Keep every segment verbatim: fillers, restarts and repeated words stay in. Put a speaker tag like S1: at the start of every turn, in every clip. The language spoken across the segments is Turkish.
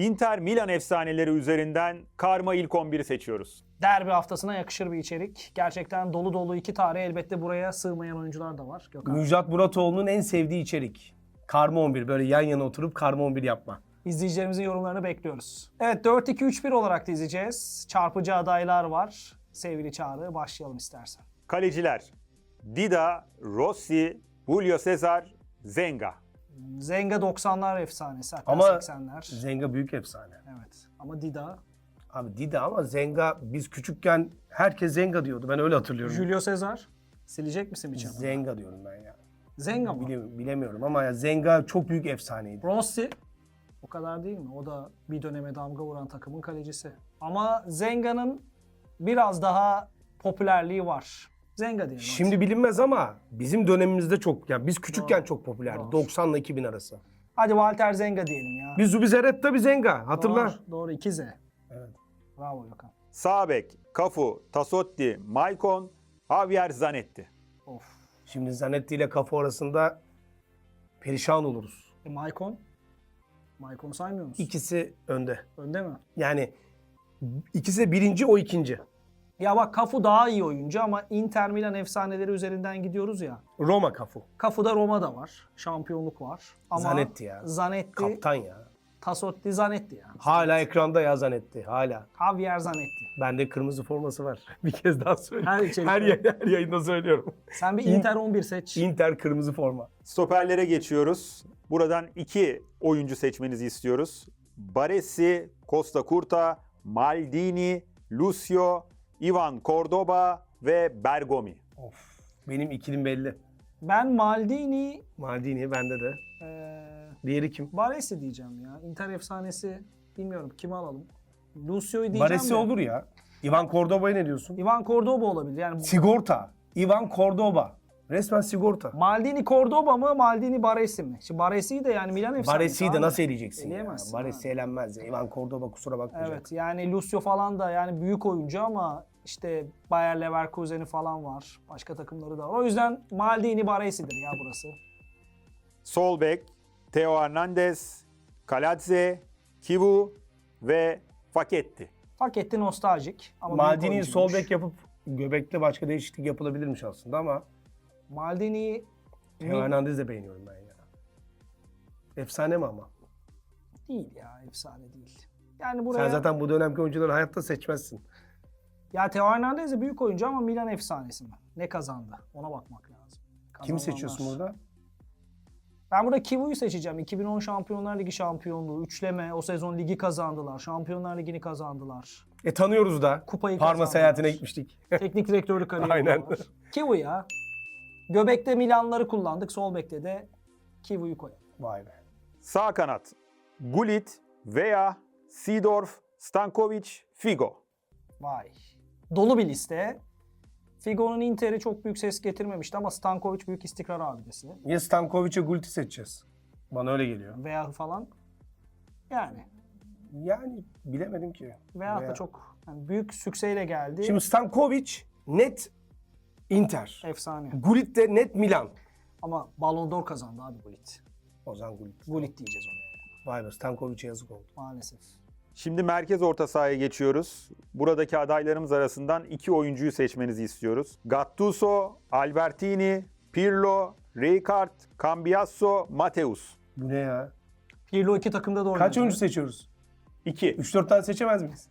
S1: Inter Milan efsaneleri üzerinden karma ilk on biri seçiyoruz.
S2: Derbi haftasına yakışır bir içerik. Gerçekten dolu dolu iki tarih, elbette buraya sığmayan oyuncular da var. Gökhan.
S3: Müjdat Muratoğlu'nun en sevdiği içerik. Karma on bir. Böyle yan yana oturup karma on bir yapma.
S2: İzleyicilerimizin yorumlarını bekliyoruz. Evet, dört iki üç bir olarak da izleyeceğiz. Çarpıcı adaylar var. Sevgili Çağrı, başlayalım istersen.
S1: Kaleciler: Dida, Rossi, Julio Cesar, Zenga.
S2: Zenga doksanlar efsanesi, hatta
S3: Ama
S2: seksenler.
S3: Zenga büyük efsane.
S2: Evet, ama Dida.
S3: Abi Dida ama Zenga, biz küçükken herkes Zenga diyordu. Ben öyle hatırlıyorum.
S2: Julio Cesar. Silecek misin bir çabuk?
S3: Zenga diyorum ben ya.
S2: Zenga mı?
S3: Bile- bilemiyorum ama ya Zenga çok büyük efsaneydi.
S2: Rossi. O kadar değil mi? O da bir döneme damga vuran takımın kalecisi. Ama Zenga'nın biraz daha popülerliği var. Zenga diyelim.
S3: Şimdi bilinmez ama bizim dönemimizde çok, ya biz küçükken
S2: Doğru.
S3: çok popülerdi.
S2: Doğru.
S3: doksan ile iki bin arası.
S2: Hadi Walter Zenga diyelim ya.
S3: Bir Zubizarreta bir Zenga, hatırla.
S2: Doğru, doğru. iki Z.
S3: Evet.
S2: Bravo Gökhan.
S1: Sağ bek: Cafu, Tassotti, Maicon, Javier Zanetti.
S2: Of.
S3: Şimdi Zanetti ile Cafu arasında perişan oluruz.
S2: E, Maicon? Maicon'u saymıyor musun?
S3: İkisi önde.
S2: Önde mi?
S3: Yani ikisi de birinci, o ikinci.
S2: Ya bak, Cafu daha iyi oyuncu ama Inter Milan efsaneleri üzerinden gidiyoruz ya.
S3: Roma Cafu.
S2: Cafu'da Roma'da var. Şampiyonluk var. Ama
S3: Zanetti ya.
S2: Zanetti,
S3: Kaptan ya.
S2: Tassotti, Zanetti ya.
S3: Hala ekranda ya Zanetti. Hala.
S2: Javier Zanetti.
S3: Bende kırmızı forması var. Bir kez daha söyleyeyim.
S2: Her içerikte.
S3: Her, yay- her yayında söylüyorum.
S2: Sen bir Inter on bir seç.
S3: Inter kırmızı forma.
S1: Stoperlere geçiyoruz. Buradan iki oyuncu seçmenizi istiyoruz. Baresi, Costa Curta, Maldini, Lucio, Ivan Cordoba ve Bergomi.
S3: Of. Benim ikilim belli.
S2: Ben Maldini,
S3: Maldini bende de.
S2: eee
S3: Diğeri kim?
S2: Baresi diyeceğim ya. Inter efsanesi, bilmiyorum kimi alalım. Lucio'yu diyeceğim
S3: Baresi
S2: de.
S3: olur ya. Ivan Cordoba'ya ne diyorsun?
S2: Ivan Cordoba olabilir. Yani
S3: Sigorta. Ivan Cordoba. Resmen sigorta.
S2: Maldini Cordoba mı, Maldini Baresi mi? Şimdi Baresi'yi de yani Milan efsanesi.
S3: Baresi'yi de
S2: abi.
S3: nasıl eleyeceksin ya?
S2: Eleyemezsin
S3: Baresi
S2: abi.
S3: elenmez ya. Ivan Cordoba kusura bakmayacak.
S2: Evet, yani Lucio falan da yani büyük oyuncu ama işte Bayer Leverkusen'i falan var. Başka takımları da var. O yüzden Maldini Baresi'dir ya burası.
S1: Sol bek: Theo Hernandez, Kaladze, Kivu ve Faketti.
S2: Paketti nostaljik ama büyük
S3: Maldini'yi
S2: oyuncuymuş.
S3: sol bek yapıp göbekte başka değişiklik yapılabilirmiş aslında ama
S2: Maldini'yi
S3: Theo Hernandez'i de beğeniyorum ben ya. Efsane mi ama?
S2: değil ya, efsane değil. Yani buraya...
S3: Sen zaten bu dönemki oyuncuları hayatta seçmezsin.
S2: Ya Theo Hernandez de büyük oyuncu ama Milan efsanesi mi? Ne kazandı? Ona bakmak lazım.
S3: Kimi
S2: Kazananlar.
S3: seçiyorsun burada?
S2: Ben burada Kivu'yu seçeceğim. iki bin on Şampiyonlar Ligi şampiyonluğu, üçleme, o sezon ligi kazandılar. Şampiyonlar Ligi'ni kazandılar.
S3: E tanıyoruz da.
S2: Kupayı
S3: Parma
S2: kazandılar.
S3: seyahatine gitmiştik.
S2: Teknik direktörlük kariyeri
S3: Aynen.
S2: var. Kivu ya. Göbekte Milanları kullandık, sol bekte de Kivu'yu koyalım.
S3: Vay be.
S1: Sağ kanat: Gullit, Veya, Seedorf, Stankovic, Figo.
S2: Vay. Dolu bir liste. Figo'nun Inter'i çok büyük ses getirmemişti ama Stankovic büyük istikrar abidesi.
S3: Ya Stankovic'e Gult'i seçeceğiz. Bana öyle geliyor.
S2: Veya falan. Yani.
S3: Yani bilemedim ki.
S2: Veya
S3: Veya-
S2: da çok yani büyük sükseyle geldi.
S3: Şimdi Stankovic net Inter.
S2: Efsane.
S3: Gullit de net Milan.
S2: Ama Ballon d'Or kazandı abi Gullit.
S3: O zaman Gullit.
S2: Gullit diyeceğiz oraya.
S3: Vay be, Stankovic'e yazık oldu.
S2: Maalesef.
S1: Şimdi merkez orta sahaya geçiyoruz. Buradaki adaylarımız arasından iki oyuncuyu seçmenizi istiyoruz. Gattuso, Albertini, Pirlo, Rijkaard, Cambiasso, Mateus.
S3: Bu ne ya?
S2: Pirlo iki takımda da oynadı.
S3: Kaç oyuncu seçiyoruz?
S1: İki.
S3: üç dört tane seçemez miyiz?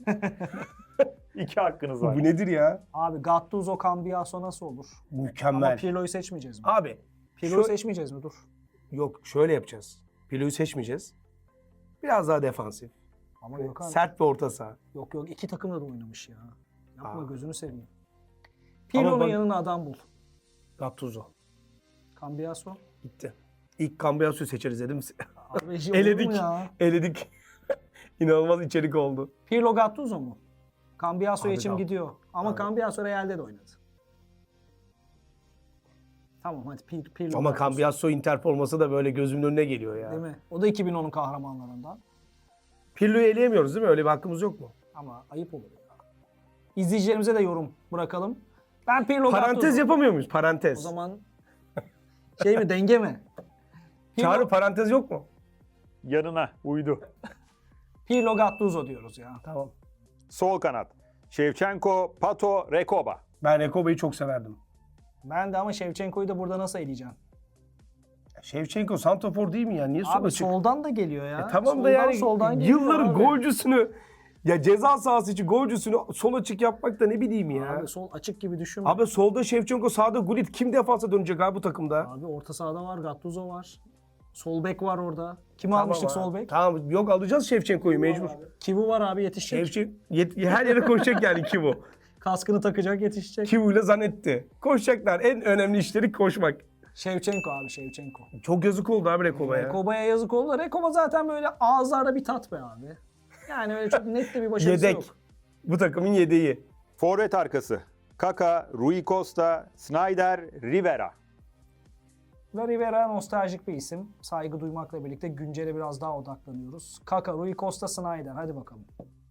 S1: İki hakkınız var.
S3: Bu nedir ya?
S2: Abi Gattuso, Cambiasso nasıl olur? Ama
S3: Mükemmel.
S2: Pirlo'yu seçmeyeceğiz mi?
S3: Abi.
S2: Pirlo'yu
S3: şu-
S2: seçmeyeceğiz mi? Dur.
S3: Yok, şöyle yapacağız. Pilo'yu seçmeyeceğiz. Biraz daha defansif.
S2: Ama Gökhan,
S3: Sert bir orta saha.
S2: yok yok iki takımda da oynamış ya. Yapma,
S3: Aa.
S2: gözünü seveyim. Pirlo'nun
S3: bak-
S2: yanına adam bul.
S3: Gattuso.
S2: Cambiasso.
S3: Gitti. İlk Cambiasso'yu seçeriz dedim.
S2: Abi, şey olur mu
S3: Eledik.
S2: ya?
S3: Eledik. İnanılmaz içerik oldu.
S2: Pirlo Gattuso mu? Cambiasso'ya
S3: Abi
S2: içim
S3: Gat-
S2: gidiyor. Ama
S3: Abi.
S2: Cambiasso Real'de de oynadı. Tamam hadi Pir, Pirlo
S3: Ama
S2: Gattuso.
S3: Cambiasso Inter forması da böyle gözümün önüne geliyor ya.
S2: Değil mi? O da iki bin onun kahramanlarından.
S3: Pirlo'yu eleyemiyoruz değil mi? Öyle bir hakkımız yok mu?
S2: Ama ayıp olur ya. İzleyicilerimize de yorum bırakalım. Ben Pirlo
S3: Parantez
S2: Gattuso.
S3: yapamıyor muyuz?
S2: O
S3: Parantez.
S2: zaman şey mi, denge mi? Pirlo,
S3: Çağrı parantez yok mu?
S1: Yanına uydu.
S2: Pirlo, Gattuso diyoruz ya.
S3: Tamam.
S1: Sol kanat. Shevchenko, Pato, Recoba.
S3: Ben Rekoba'yı çok severdim.
S2: Ben de ama Shevchenko'yu da burada nasıl eleyeceğim?
S3: Şevçenko santrafor değil mi ya? Niye sola
S2: Abi
S3: çık?
S2: soldan da geliyor ya.
S3: E tamam
S2: soldan,
S3: da yani
S2: soldan geliyor
S3: yılların
S2: abi.
S3: golcüsünü ya ceza sahası için golcüsünü sol açık yapmak da ne bileyim ya.
S2: Abi
S3: Abi,
S2: sol açık gibi düşünme. Abi,
S3: solda Şevçenko, sağda Gullit. Kim defansa dönecek abi bu takımda?
S2: abi orta sahada var, Gattuso var. Sol bek var orada. Kimi
S3: Tamam
S2: almıştık
S3: abi.
S2: sol bek?
S3: Tamam yok alacağız Şevçenko'yu mecbur.
S2: Kivu var abi yetişecek.
S3: Şevçen yet- her yere koşacak yani Kivu.
S2: Kaskını takacak yetişecek.
S3: Kivu'yla Zanetti. Koşacaklar. En önemli işleri koşmak.
S2: Şevçenko abi Şevçenko.
S3: Çok yazık oldu abi Rekoba'ya.
S2: Rekoba'ya yazık oldu. Rekoba zaten böyle ağızlarda bir tat be abi. Yani öyle çok net de bir başarısı
S3: Yedek.
S2: yok.
S3: Bu takımın yedeği.
S1: Forvet arkası. Kaka, Rui Costa, Snyder, Rivera.
S2: Ve Rivera nostaljik bir isim. Saygı duymakla birlikte güncele biraz daha odaklanıyoruz. Kaka, Rui Costa, Snyder. Hadi bakalım.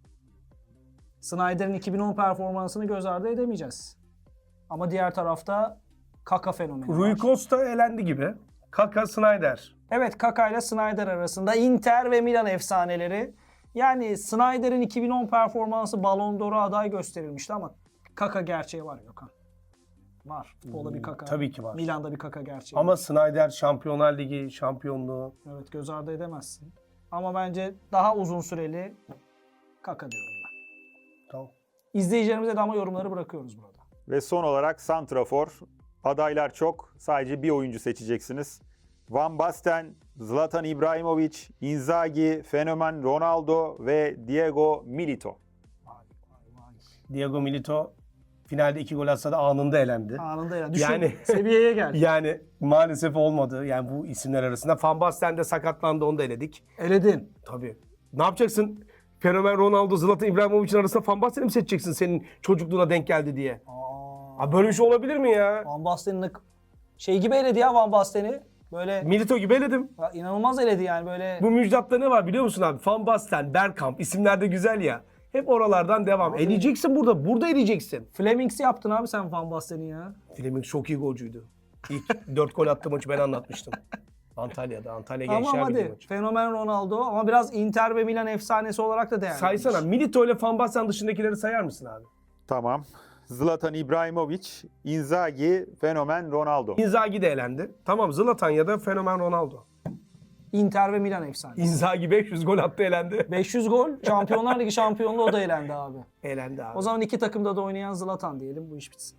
S2: Snyder'in iki bin on performansını göz ardı edemeyeceğiz. Ama diğer tarafta Kaka fenomeni
S3: Rui
S2: var.
S3: Costa elendi gibi. Kaka, Snyder.
S2: Evet, Kaka ile Snyder arasında Inter ve Milan efsaneleri. Yani Snyder'in iki bin on performansı Ballon d'Or'a aday gösterilmişti ama Kaka gerçeği var Gökhan. Var. Futbolda bir Kaka.
S3: tabii ki var.
S2: Milan'da bir Kaka gerçeği
S3: Ama
S2: var.
S3: Snyder Şampiyonlar Ligi şampiyonluğu.
S2: Evet, göz ardı edemezsin. Ama bence daha uzun süreli Kaka diyorum ben.
S3: Tamam.
S2: İzleyicilerimize de ama yorumları bırakıyoruz burada.
S1: Ve son olarak santrafor. Adaylar çok. Sadece bir oyuncu seçeceksiniz. Van Basten, Zlatan İbrahimovic, Inzaghi, Fenomen Ronaldo ve Diego Milito.
S2: Vay vay vay.
S3: Diego Milito finalde iki gol atsa da anında elendi.
S2: Anında ya. Düşün,
S3: Yani-
S2: seviyeye gel.
S3: Yani maalesef olmadı. Yani bu isimler arasında. Van Basten de sakatlandı, onu da eledik.
S2: Eledin.
S3: Tabii. Ne yapacaksın? Fenomen Ronaldo, Zlatan İbrahimovic'in arasında Van Basten'i mi seçeceksin senin çocukluğuna denk geldi diye?
S2: Aa,
S3: Abi böyle bir şey olabilir mi ya?
S2: Van Basten'in şey gibi eledi ya Van Basten'i. Böyle
S3: Milito gibi eledim.
S2: ya inanılmaz eledi yani böyle.
S3: Bu müjdatta ne var biliyor musun abi? Van Basten, Bergkamp isimler de güzel ya. Hep oralardan devam.
S2: Abi-
S3: Eleyeceksin burada. Burada eleyeceksin.
S2: Flemings yaptın abi sen Van Basten'i ya.
S3: Fleming çok iyi golcüydü. İlk dört gol attığı maçı ben anlatmıştım. Antalya'da. Antalya
S2: Tamam
S3: Gençler Birliği
S2: hadi.
S3: maçı.
S2: Fenomen Ronaldo ama biraz Inter ve Milan efsanesi olarak da değerli.
S3: Saysana. Milito ile Van Basten dışındakileri sayar mısın abi?
S1: Tamam. Zlatan İbrahimovic, Inzaghi, Fenomen Ronaldo.
S3: Inzaghi de elendi. Tamam Zlatan ya da Fenomen Ronaldo.
S2: Inter ve Milan efsanesi.
S3: Inzaghi beş yüz gol attı elendi.
S2: beş yüz gol, Şampiyonlar Ligi şampiyonluğu o da elendi abi.
S3: Elendi abi.
S2: O zaman iki takımda da oynayan Zlatan diyelim bu iş bitsin.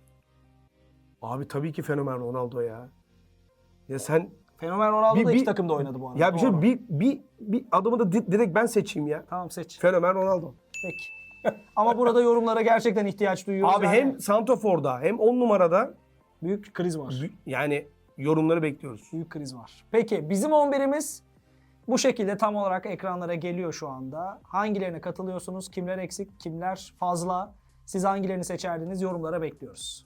S3: Abi tabii ki Fenomen Ronaldo ya. Ya sen
S2: Fenomen Ronaldo
S3: Bir-
S2: da iki
S3: bir-
S2: takımda oynadı bu arada.
S3: ya bir şey
S2: Doğru.
S3: bir bir bir adamı da di- direkt ben seçeyim ya.
S2: Tamam seç.
S3: Fenomen Ronaldo.
S2: Peki. Ama burada yorumlara gerçekten ihtiyaç duyuyoruz.
S3: Abi
S2: Yani
S3: hem santraforda hem on numarada
S2: büyük kriz var.
S3: bü- yani yorumları bekliyoruz.
S2: Büyük kriz var. Peki bizim on birimiz bu şekilde tam olarak ekranlara geliyor şu anda. Hangilerine katılıyorsunuz? Kimler eksik? Kimler fazla? Siz hangilerini seçerdiniz? Yorumlara bekliyoruz.